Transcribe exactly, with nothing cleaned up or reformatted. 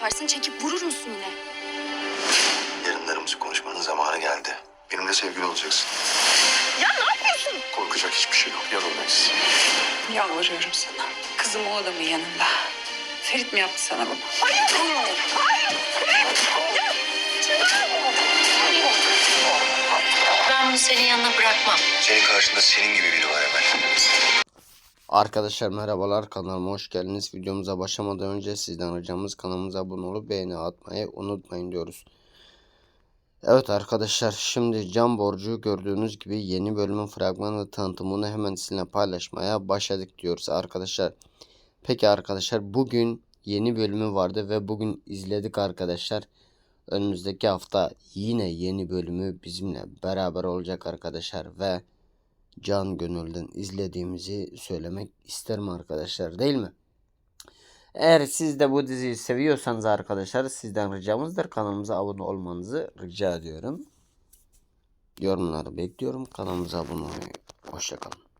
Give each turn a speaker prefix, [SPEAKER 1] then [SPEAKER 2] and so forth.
[SPEAKER 1] yaparsın, çekip vurur musun yine?
[SPEAKER 2] Yarınlarımızı konuşmanın zamanı geldi. Benimle sevgili olacaksın.
[SPEAKER 1] Ya ne yapıyorsun?
[SPEAKER 2] Korkacak hiçbir şey yok. Yanındayız.
[SPEAKER 3] Yalvarıyorum sana. Kızım o adamın yanında. Ferit mi yaptı sana bunu?
[SPEAKER 1] Hayır! Hayır!
[SPEAKER 4] Ben bunu senin yanına bırakmam.
[SPEAKER 2] Senin karşında senin gibi biri var Emel.
[SPEAKER 5] Arkadaşlar merhabalar, kanalıma hoş geldiniz. Videomuza başlamadan önce sizden ricamız kanalımıza abone olup beğeni atmayı unutmayın diyoruz. Evet arkadaşlar, şimdi Can Borcu gördüğünüz gibi yeni bölümün fragman ve tanıtımını hemen sizinle paylaşmaya başladık diyoruz arkadaşlar. Peki arkadaşlar, bugün yeni bölümü vardı ve bugün izledik arkadaşlar. Önümüzdeki hafta yine yeni bölümü bizimle beraber olacak arkadaşlar ve can gönülden izlediğimizi söylemek isterim arkadaşlar, değil mi? Eğer siz de bu diziyi seviyorsanız arkadaşlar, sizden ricamızdır kanalımıza abone olmanızı rica ediyorum. Yorumları bekliyorum. Kanalımıza abone olmayı. Hoşça kalın.